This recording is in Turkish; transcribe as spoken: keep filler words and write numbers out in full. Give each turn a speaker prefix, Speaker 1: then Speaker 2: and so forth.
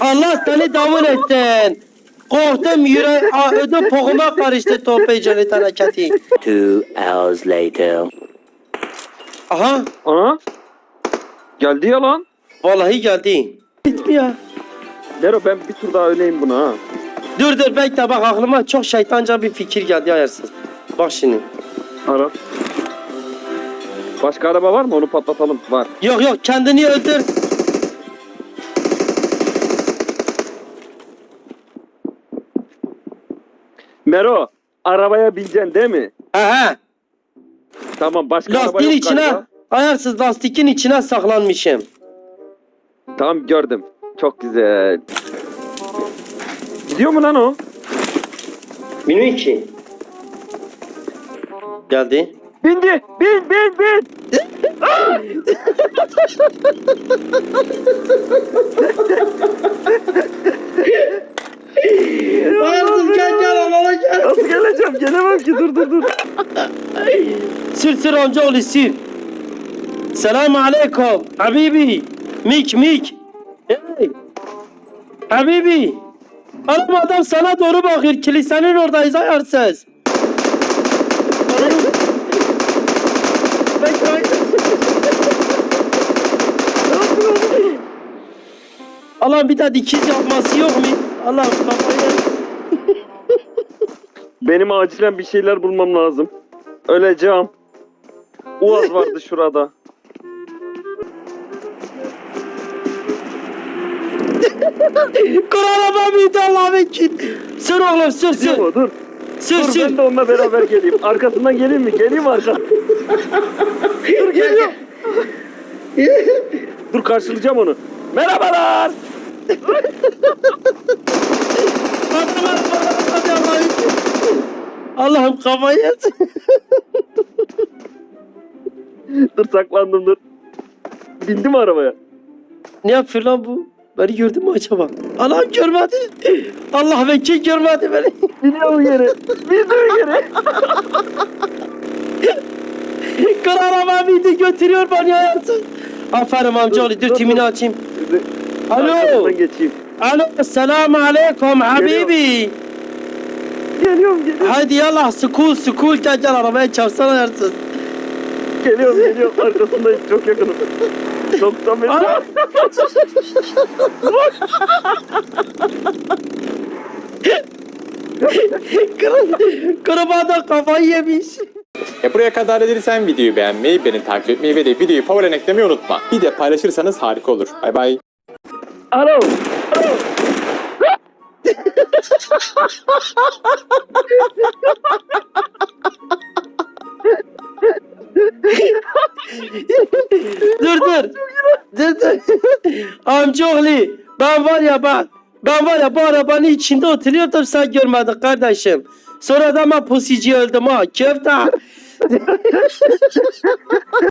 Speaker 1: Allah seni davul etsin. Korktum yüreğim, ödüm poğuma karıştı toplayıcılık hareketi.
Speaker 2: Two hours later.
Speaker 1: Aha,
Speaker 3: Ana. Geldi ya lan.
Speaker 1: vallahi geldi. Bitmiyor.
Speaker 3: Nero ben bir tur daha öleyim buna ha.
Speaker 1: Dur dur bekle bak aklıma çok şeytanca bir fikir geldi ayarsız. Bak şimdi.
Speaker 3: Ara. Başka araba var mı? Onu patlatalım. Var.
Speaker 1: Yok yok kendini öldür.
Speaker 3: Mero, arabaya bineceksin değil mi?
Speaker 1: Aha.
Speaker 3: Tamam, başka araba
Speaker 1: Lastiğin
Speaker 3: yok
Speaker 1: içine,
Speaker 3: galiba.
Speaker 1: ayarsız lastiğin içine saklanmışım.
Speaker 3: Tamam, gördüm. Çok güzel. Gidiyor mu lan o?
Speaker 1: Bilmiyorum ki. Geldi.
Speaker 3: Bindi! Bin, bin, bin!
Speaker 1: Ayarsız gel gel alana gel.
Speaker 3: Nasıl geleceğim? Gelemem ki. Dur, dur, dur.
Speaker 1: Sür sür amcaoğlu sür. Selamun aleyküm. Habibi. Mik mik. Hey. Habibi. Adam adam sana doğru bakıyor. Kilisenin oradayız ayarsız. Ben kaydım. Allah'ım bir daha dikiz yapması yok mu? Allah'ım kafayı.
Speaker 3: Benim acilen bir şeyler bulmam lazım. Öleceğim. Uaz vardı şurada.
Speaker 1: Kur'an'a ben bir de Allah'ım için. Sür oğlum sür sür.
Speaker 3: Dur, dur.
Speaker 1: Sür
Speaker 3: Dur
Speaker 1: sür.
Speaker 3: ben de onunla beraber geleyim. Arkasından geleyim mi? Geleyim mi arkadan? Dur geliyorum. Dur karşılayacağım onu. Merhabalar.
Speaker 1: Hadi Allah'ım için. Allah'ım kafayı yesin.
Speaker 3: Dur saklandım dur. Bindi mi arabaya?
Speaker 1: Ne yapıyor lan bu? Beni gördü mü acaba? Allah'ım görmedi. Allah vekil görmedi beni.
Speaker 3: Biniyor yere. Biniyor yere.
Speaker 1: Kır araba bindi götürüyor beni hayatım. Aferin amcaoğlu dur,
Speaker 3: Dur, dur,
Speaker 1: timini
Speaker 3: dur.
Speaker 1: açayım.
Speaker 3: Şimdi
Speaker 1: Alo.
Speaker 3: arkadan geçeyim.
Speaker 1: Alo selamun aleyküm habibi.
Speaker 3: Geliyorum geliyorum.
Speaker 1: Haydi yallah school school gel gel arabaya çarpsana hayatım.
Speaker 3: Geliyorum geliyorum. Arkasındayım. Çok yakınım. doksan metre.
Speaker 1: Aa! Kırın, kırmada kafayı yemiş.
Speaker 4: E buraya kadar dediysen videoyu beğenmeyi, beni takip etmeyi ve de videoyu favorilerine eklemeyi unutma. Bir de paylaşırsanız harika olur. Bay bay.
Speaker 3: Alo. Alo.
Speaker 1: Dur dur. Dur dur. Amcaoğlu ben var ya ben ben var ya bu arabanın içinde oturuyordum sen görmedin kardeşim. Sonra da ben pusici öldüm ha köfte.